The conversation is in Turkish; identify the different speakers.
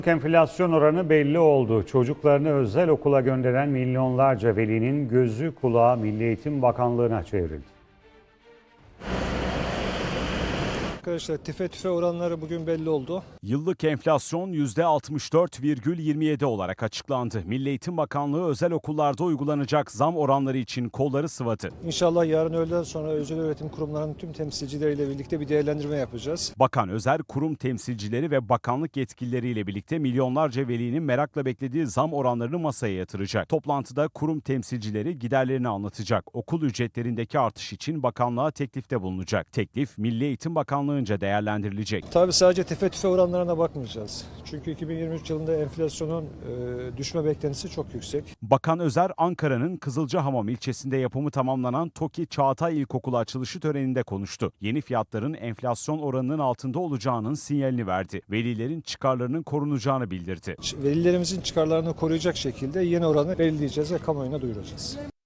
Speaker 1: Enflasyon oranı belli oldu. Çocuklarını özel okula gönderen milyonlarca velinin gözü kulağı Milli Eğitim Bakanlığı'na çevrildi.
Speaker 2: Arkadaşlar tüfe oranları bugün belli oldu.
Speaker 3: Yıllık enflasyon %64,27 olarak açıklandı. Milli Eğitim Bakanlığı özel okullarda uygulanacak zam oranları için kolları sıvadı.
Speaker 2: İnşallah yarın öğleden sonra özel öğretim kurumlarının tüm temsilcileriyle birlikte bir değerlendirme yapacağız.
Speaker 3: Bakan özel kurum temsilcileri ve bakanlık yetkilileriyle birlikte milyonlarca velinin merakla beklediği zam oranlarını masaya yatıracak. Toplantıda kurum temsilcileri giderlerini anlatacak. Okul ücretlerindeki artış için bakanlığa teklifte bulunacak. Teklif Milli Eğitim Bakanlığı'nca değerlendirilecek.
Speaker 2: Tabii sadece tüfe oranlarına bakmayacağız. Çünkü 2023 yılında enflasyonun düşme beklentisi çok yüksek.
Speaker 3: Bakan Özer, Ankara'nın Kızılcahamam ilçesinde yapımı tamamlanan TOKİ Çağatay İlkokulu açılışı töreninde konuştu. Yeni fiyatların enflasyon oranının altında olacağının sinyalini verdi. Velilerin çıkarlarının korunacağını bildirdi.
Speaker 2: Velilerimizin çıkarlarını koruyacak şekilde yeni oranı belirleyeceğiz ve kamuoyuna duyuracağız.